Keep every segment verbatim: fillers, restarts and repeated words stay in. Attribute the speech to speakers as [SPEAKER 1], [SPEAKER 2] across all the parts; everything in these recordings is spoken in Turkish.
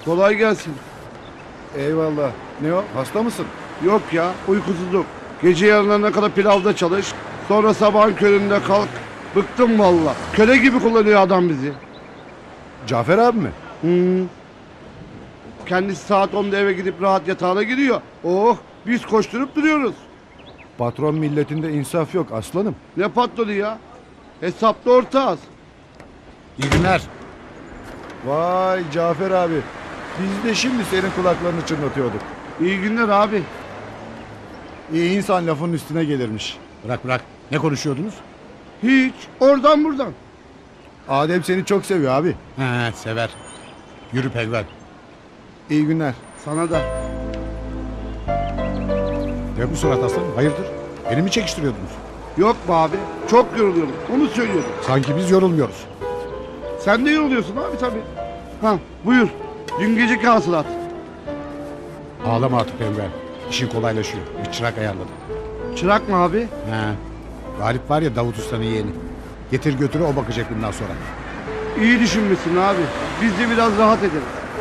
[SPEAKER 1] Kolay gelsin.
[SPEAKER 2] Eyvallah. Ne o? Hasta mısın?
[SPEAKER 1] Yok ya, uykusuzluk. Gece yarılarına kadar pilavda çalış. Sonra sabahın köründe kalk. Bıktım valla. Köle gibi kullanıyor adam bizi.
[SPEAKER 2] Cafer abi mi?
[SPEAKER 1] Hmm. Kendisi saat onda eve gidip rahat yatağına giriyor. Oh, biz koşturup duruyoruz.
[SPEAKER 2] Patron milletinde insaf yok aslanım.
[SPEAKER 1] Ne patlıyor ya? Hesapta ortağız.
[SPEAKER 2] İyi günler. Vay Cafer abi. Biz de şimdi senin kulaklarını çınlatıyorduk.
[SPEAKER 1] İyi günler abi.
[SPEAKER 2] İyi insan lafın üstüne gelirmiş.
[SPEAKER 3] Bırak bırak. Ne konuşuyordunuz?
[SPEAKER 1] Hiç. Oradan buradan.
[SPEAKER 2] Adem seni çok seviyor abi.
[SPEAKER 3] He sever. Yürü penguen.
[SPEAKER 2] İyi günler.
[SPEAKER 1] Sana da.
[SPEAKER 3] Ne bu surat aslanım? Hayırdır? Beni mi çekiştiriyordunuz?
[SPEAKER 1] Yok be abi. Çok yoruluyorum. Onu söylüyorum.
[SPEAKER 3] Sanki biz yorulmuyoruz.
[SPEAKER 1] Sen de yoruluyorsun abi tabii. Ha buyur. Dün geceki hasılat.
[SPEAKER 3] Ağlama artık penguen. İşin kolaylaşıyor. Bir çırak ayarladım.
[SPEAKER 1] Çırak mı abi?
[SPEAKER 3] He. Galip var ya Davut Usta'nın yeğeni. Getir götürü o bakacak bundan sonra.
[SPEAKER 1] İyi düşünmüşsün abi. Biz de biraz rahat ederiz.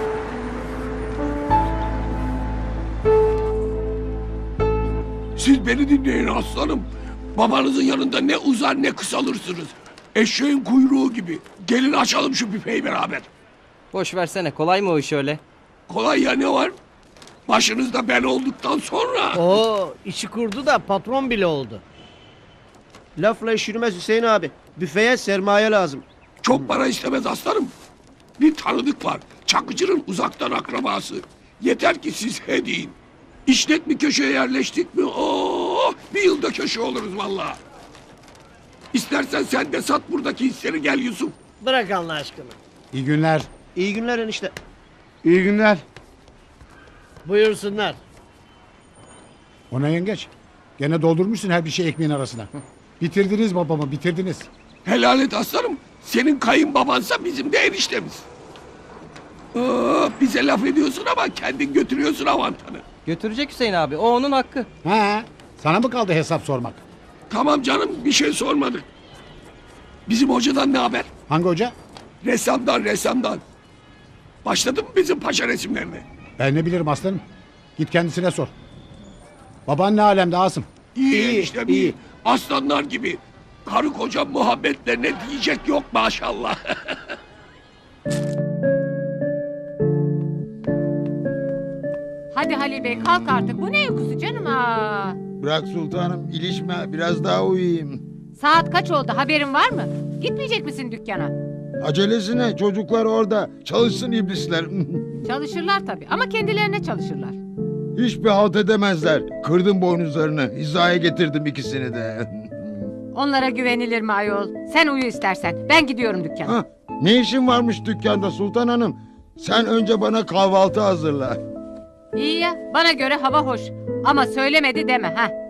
[SPEAKER 4] Siz beni dinleyin aslanım. Babanızın yanında ne uzar ne kısalırsınız. Eşeğin kuyruğu gibi. Gelin açalım şu büfeyi beraber.
[SPEAKER 5] Boş versene, kolay mı o iş öyle?
[SPEAKER 4] Kolay ya, ne var? Başınızda ben olduktan sonra.
[SPEAKER 6] Oo, işi kurdu da patron bile oldu.
[SPEAKER 7] Lafla iş yürümez Hüseyin abi. Büfeye sermaye lazım.
[SPEAKER 4] Çok para istemez aslanım. Bir tanıdık var. Çakıcı'nın uzaktan akrabası. Yeter ki siz he deyin. İşlet bir köşeye yerleştik mi? Oo, bir yılda köşe oluruz vallahi. İstersen sen de sat buradaki hisleri, gel Yusuf.
[SPEAKER 6] Bırak Allah aşkına.
[SPEAKER 3] İyi günler.
[SPEAKER 7] İyi günler enişte.
[SPEAKER 1] İyi günler.
[SPEAKER 6] Buyursunlar.
[SPEAKER 3] Ona yengeç. Gene doldurmuşsun her bir şey ekmeğin arasına. Bitirdiniz babamı bitirdiniz.
[SPEAKER 4] Helal et aslanım. Senin kayınbabansa bizim de eniştemiz. Aa, bize laf ediyorsun ama kendin götürüyorsun avantanı.
[SPEAKER 5] Götürecek Hüseyin abi, o onun hakkı.
[SPEAKER 3] He. Sana mı kaldı hesap sormak?
[SPEAKER 4] Tamam canım, bir şey sormadık. Bizim hocadan ne haber?
[SPEAKER 3] Hangi hoca?
[SPEAKER 4] Ressamdan ressamdan. Başladı mı bizim paşa resimlerine?
[SPEAKER 3] Ben ne bilirim aslanım. Git kendisine sor. Baban ne alemde Asım?
[SPEAKER 4] İyi,
[SPEAKER 7] İyi,
[SPEAKER 4] işte iyi.
[SPEAKER 7] iyi.
[SPEAKER 4] Aslanlar gibi. Karı koca muhabbetlerine diyecek yok maşallah.
[SPEAKER 8] Hadi Halil Bey kalk artık. Bu ne uykusu canım? Aa.
[SPEAKER 9] Bırak sultanım, ilişme, biraz daha uyuyayım.
[SPEAKER 8] Saat kaç oldu, haberin var mı? Gitmeyecek misin dükkana?
[SPEAKER 9] Acelesine, çocuklar orada, çalışsın iblisler.
[SPEAKER 8] Çalışırlar tabii ama kendilerine çalışırlar.
[SPEAKER 9] Hiçbir halt edemezler. Kırdım boynuzlarını, hizaya getirdim ikisini de.
[SPEAKER 8] Onlara güvenilir mi ayol? Sen uyu istersen. Ben gidiyorum dükkana.
[SPEAKER 9] Hah, ne işin varmış dükkanda sultan hanım? Sen önce bana kahvaltı hazırla.
[SPEAKER 8] İyi ya, bana göre hava hoş. Ama söylemedi deme ha.